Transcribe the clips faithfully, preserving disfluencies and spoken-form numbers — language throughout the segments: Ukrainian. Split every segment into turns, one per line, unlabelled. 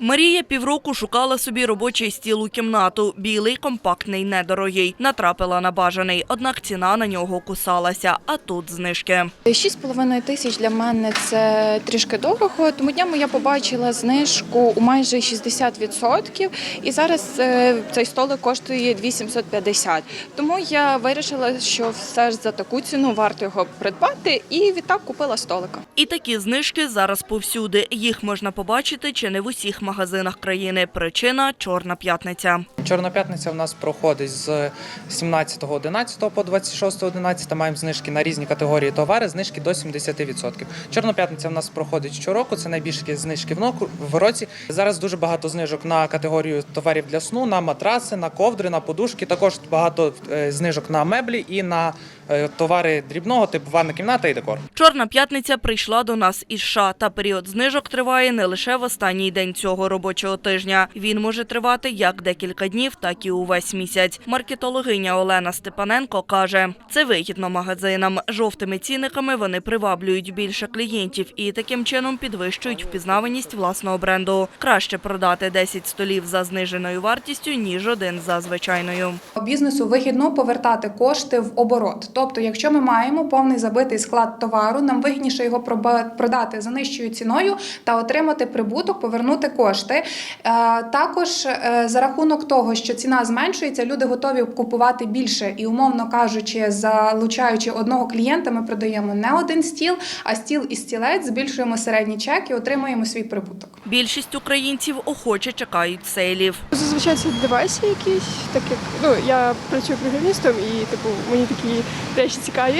Марія півроку шукала собі робочий стіл у кімнату. Білий, компактний, недорогий. Натрапила на бажаний, однак ціна на нього кусалася. А тут знижки.
шість з половиною тисяч для мене – це трішки дорого. Тому днями я побачила знижку у майже шістдесят відсотків. І зараз цей столик коштує дві тисячі сімсот п'ятдесят. Тому я вирішила, що все ж за таку ціну варто його придбати. І відтак купила столика.
І такі знижки зараз повсюди. Їх можна побачити чи не в усіх магазинах країни. Причина – Чорна п'ятниця.
Чорна п'ятниця в нас проходить з сімнадцятого одинадцятого по двадцять шостого одинадцятого. Маємо знижки на різні категорії товари, знижки до сімдесят відсотків. Чорна п'ятниця в нас проходить щороку, це найбільші знижки в році. Зараз дуже багато знижок на категорію товарів для сну, на матраси, на ковдри, на подушки. Також багато знижок на меблі і на товари дрібного, типу ванна кімната і декор.
Чорна п'ятниця прийшла до нас із США. Та період знижок триває не лише в останній день цього робочого тижня. Він може тривати як декілька днів, так і увесь місяць. Маркетологиня Олена Степаненко каже, це вигідно магазинам. Жовтими цінниками вони приваблюють більше клієнтів і таким чином підвищують впізнаваність власного бренду. Краще продати десять столів за зниженою вартістю, ніж один за звичайною.
Бізнесу вигідно повертати кошти в оборот. Тобто, якщо ми маємо повний забитий склад товару, нам вигідніше його продати за нижчою ціною та отримати прибуток, повернути кошти. Також за рахунок того, що ціна зменшується, люди готові купувати більше. І, умовно кажучи, залучаючи одного клієнта, ми продаємо не один стіл, а стіл і стілець, збільшуємо середній чек і отримуємо свій прибуток.
Більшість українців охоче чекають сейлів.
Зазвичай це девайси якісь, так як ну, я працюю програмістом і типу, мені такі речі цікаві.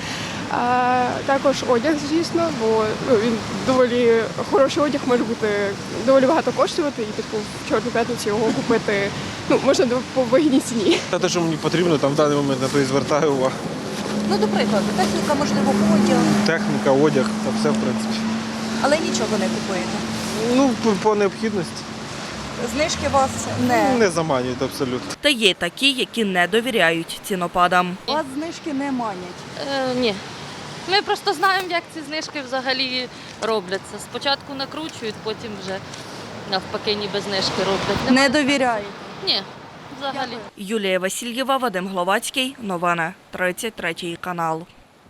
А також одяг, звісно, бо ну, він доволі хороший одяг може бути доволі багато коштувати, і типу в Чорну п'ятницю його купити ну, можна по вигідній ціні.
Те, що мені потрібно, там в даний момент на то і звертаю увагу.
Ну, до прикладу, техніка, можливо, одяг.
Техніка, одяг, та все, в принципі.
Але нічого не купуєте?
Ну, по, по необхідності.
Знижки вас не...
Не заманюють абсолютно.
Та є такі, які не довіряють цінопадам.
Вас знижки не манять?
Е, ні. Ми просто знаємо, як ці знижки взагалі робляться. Спочатку накручують, потім вже навпаки ніби знижки роблять.
Не довіряють?
Ні, взагалі.
Юлія Васильєва, Вадим Гловацький. Новини. тридцять третій канал.